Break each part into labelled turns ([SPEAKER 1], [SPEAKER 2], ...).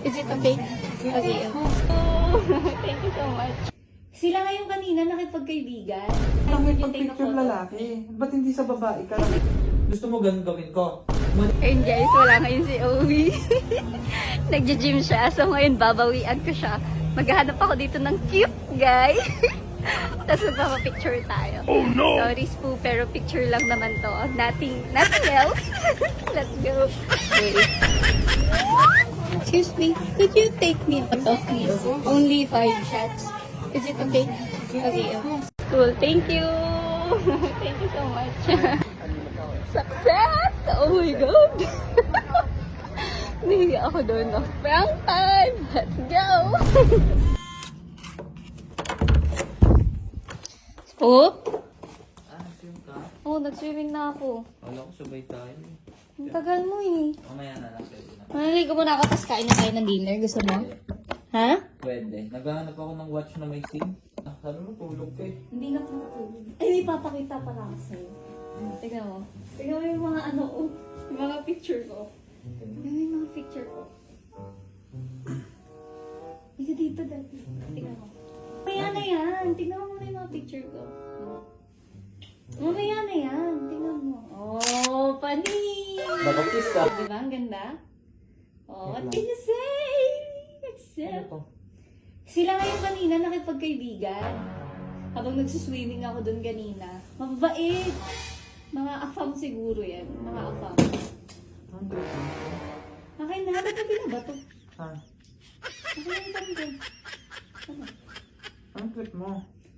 [SPEAKER 1] Is it okay? Okay. Oh, thank you so much. Sila ngayon kanina nakipagkaibigan.
[SPEAKER 2] Bakit pag-picture lalaki? Ba't hindi sa babae ka? Gusto mo ganun gawin ko?
[SPEAKER 1] Ayun guys, wala ngayon si Owie. Nagja-gym siya, so ngayon babawian ko siya. Maghahanap ako dito ng cute guy. Tapos magpapapicture tayo. Oh no! Sorry Spoo, pero picture lang naman to. Nothing else. Let's go. Wait. Excuse me, could you take me a photo please? Only 5 shots. Is it okay? Okay. Cool, thank you. Thank you so much. Success! Oh my God! Nahiya ako doon. No? Prank time! Let's go! Spook?
[SPEAKER 2] Swim ka?
[SPEAKER 1] Oh, nag-swimming na ako.
[SPEAKER 2] Wala ko sabay tayo.
[SPEAKER 1] Ang tagal mo eh.
[SPEAKER 2] Mamaya na lang pwede na.
[SPEAKER 1] Manaligo muna ako, tapos kain na tayo ng dinner. Gusto mo? Ha?
[SPEAKER 2] Pwede. Naghahanap ako ng watch na may SIM. Sabi mo, tulog ka eh.
[SPEAKER 1] Hindi na po natulog. Ay, may papakita pala ako sa'yo. Tignan mo. Tignan mo yung mga ano, oh, yung mga picture ko. Tignan mo yung mga picture ko. Ika dito dati. Tignan mo. Mamaya na yan. Tignan mo muna yung mga picture ko. Mamaya na yan. Tignan mo. Oh, panis!
[SPEAKER 2] Nakakiss ka.
[SPEAKER 1] Diba? Ang ganda? Oh, what can you say? Accept. Sila ngayon kanina nakipagkaibigan. Habang nagsuswimming ako doon kanina. Mababait. Mga afam siguro yan. Mga afam. Akin na. Ba't na binabato?
[SPEAKER 2] Ha?
[SPEAKER 1] Akin na yung tanong. Ano?
[SPEAKER 2] Ang trip mo?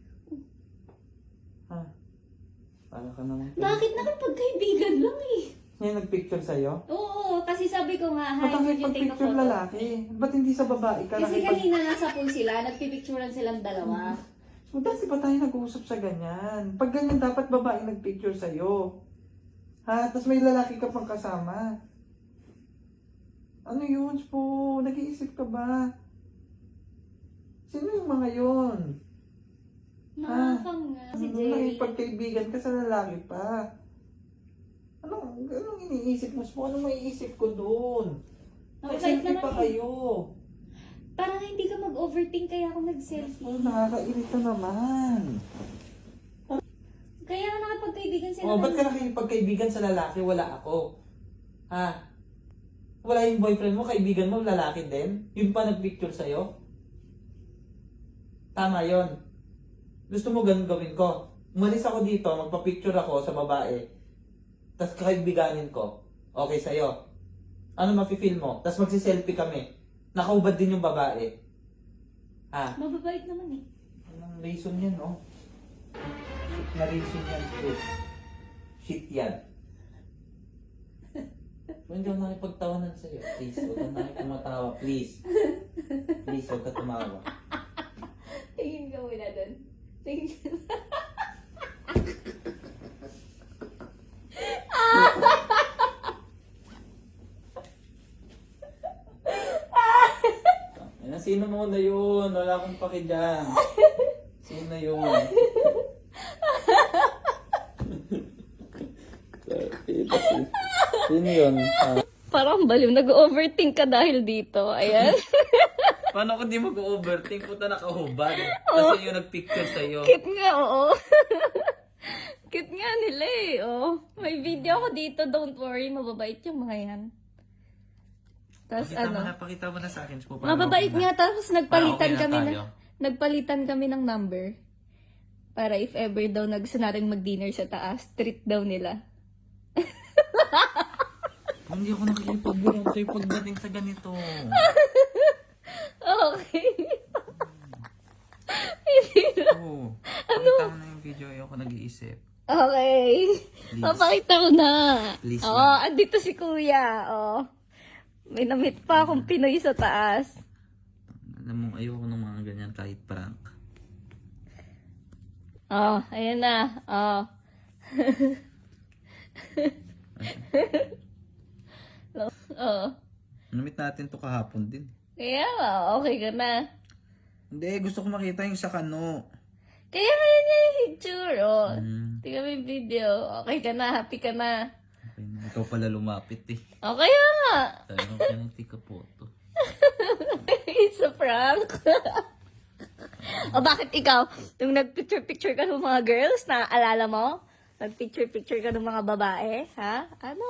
[SPEAKER 2] Ha? Para ka naman.
[SPEAKER 1] Bakit nakipagkaibigan lang eh?
[SPEAKER 2] Ngayon nagpicture sa'yo?
[SPEAKER 1] Oo, kasi sabi ko nga, hi,
[SPEAKER 2] Ba't ang
[SPEAKER 1] could you take a
[SPEAKER 2] pag-picture
[SPEAKER 1] photo?
[SPEAKER 2] lalaki? Ba't hindi sa babae ka?
[SPEAKER 1] Kasi kanina nasa pool sila, nagpipicturean silang dalawa.
[SPEAKER 2] Dati ba tayo nag-uusap sa ganyan? Pag ganyan, dapat babae nagpicture sa'yo. Ha? Tapos may lalaki ka pang kasama. Ano yun, po? Nag-iisip ka ba? Sino yung mga yun?
[SPEAKER 1] Nakakam nga si Jerry.
[SPEAKER 2] Nakipagkaibigan ka sa lalaki pa. Anong iniisip mo? Anong maiisip ko doon?
[SPEAKER 1] Nakasite
[SPEAKER 2] Nag-selfie
[SPEAKER 1] naman
[SPEAKER 2] pa
[SPEAKER 1] eh.
[SPEAKER 2] kayo.
[SPEAKER 1] Para hindi ka mag-overthink kaya ako nag-selfie.
[SPEAKER 2] Oh, nakakairita naman.
[SPEAKER 1] Kaya nga nakapagkaibigan sila.
[SPEAKER 2] Oh, ba't ka nakipagkaibigan sa lalaki? Wala ako. Ha? Wala yung boyfriend mo, kaibigan mo, lalaki din? Yun pa nagpicture sa'yo? Tama yon. Gusto mo ganun gawin ko? Umalis ako dito, magpa-picture ako sa babae. Tapos kakaibiganin ko. Okay sa'yo. Ano mafe-feel mo? Tapos magsiselfie kami. Nakaubad din yung babae. Ha?
[SPEAKER 1] Mababait naman eh.
[SPEAKER 2] Anong reason yan, no? Shit na reason yan, bro. Shit yan. Hindi ako nakipagtawanan sa'yo. Please, huwag ka nakipumatawa. Please. Please, huwag ka tumawa.
[SPEAKER 1] Tingin ka muna doon. Tingin ka.
[SPEAKER 2] Sino muna yun? Wala akong paki dyan. Sino yun? Sino yun?
[SPEAKER 1] Parang baliw. Nag-overthink ka dahil dito. Ayan.
[SPEAKER 2] Paano kung di mag-overthink? Puta nakahubad. Kasi yung nagpicture sa'yo.
[SPEAKER 1] Cute nga, oo. Cute nga nila eh. Oh. May video ako dito. Don't worry. Mababait yung mga yan. Tapos ano?
[SPEAKER 2] Pakita mo na sa akin.
[SPEAKER 1] Mababait nga. Tapos nagpalitan
[SPEAKER 2] okay na
[SPEAKER 1] kami
[SPEAKER 2] tayo.
[SPEAKER 1] nagpalitan kami ng number. Para if ever daw gusto natin mag-dinner sa taas, treat daw nila.
[SPEAKER 2] Hindi ako nakikipag-bilang sa'yo pagdating sa ganito.
[SPEAKER 1] Okay. Hindi na.
[SPEAKER 2] Oo. Pakita mo na yung video. Ayoko nag-iisip.
[SPEAKER 1] Okay.
[SPEAKER 2] Please.
[SPEAKER 1] Papakita ko na.
[SPEAKER 2] Please
[SPEAKER 1] Oo, andito si kuya. Oh. May namit pa akong Pinoy sa taas.
[SPEAKER 2] Alam mo, ayoko ng mga ganyan kahit prank.
[SPEAKER 1] Oh, ayan na. Oh. Oh.
[SPEAKER 2] Namit natin to kahapon din.
[SPEAKER 1] Kaya nga, okay ka na.
[SPEAKER 2] Hindi, gusto ko makita yung sa kano.
[SPEAKER 1] Kaya ngayon niya yung picture. Oh.
[SPEAKER 2] Mm.
[SPEAKER 1] Tingnan mo yung video. Okay ka na, happy ka na.
[SPEAKER 2] Okay, ikaw pala lumapit eh.
[SPEAKER 1] O kaya nga.
[SPEAKER 2] Talagang pinag-take a photo.
[SPEAKER 1] It's a prank. O bakit ikaw, nung nag-picture-picture ka ng mga girls, naaalala mo? Nag-picture-picture ka ng mga babae? Ha? Ano?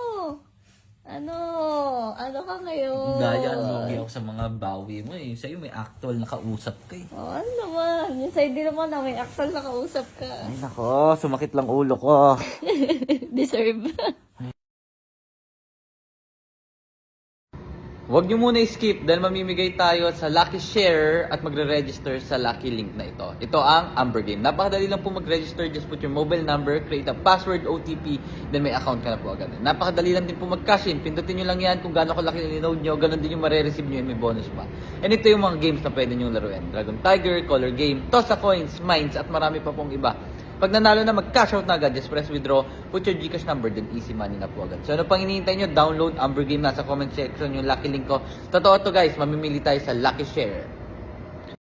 [SPEAKER 1] Ano ka ngayon?
[SPEAKER 3] Daya, lugi ako sa mga bawi mo eh. Sa'yo may actual na kausap ka eh.
[SPEAKER 1] Oh, ano naman? Yung side din naman na may actual na kausap ka.
[SPEAKER 3] Ay nako, sumakit lang ulo ko.
[SPEAKER 1] Deserve.
[SPEAKER 3] Huwag nyo muna i-skip dahil mamimigay tayo sa Lucky Share at magre-register sa Lucky Link na ito. Ito ang Amber Game. Napakadali lang po mag-register. Just put your mobile number, create a password, OTP, then may account ka na po agad. Napakadali lang din po mag-cash in. Pindutin nyo lang yan kung gaano kalaki yung load nyo. Ganon din yung marireceive nyo and may bonus pa. And ito yung mga games na pwede nyo laruin. Dragon Tiger, Color Game, Toss a Coins, Mines, at marami pa pong iba. Pag nanalo na, mag-cash out na agad. Just press withdraw, put your Gcash number, then easy money na po agad. So ano pang hinihintay nyo? Download Amber Game. Nasa comment section yung Lucky Link ko. Totoo to guys, mamimili tayo sa Lucky Share.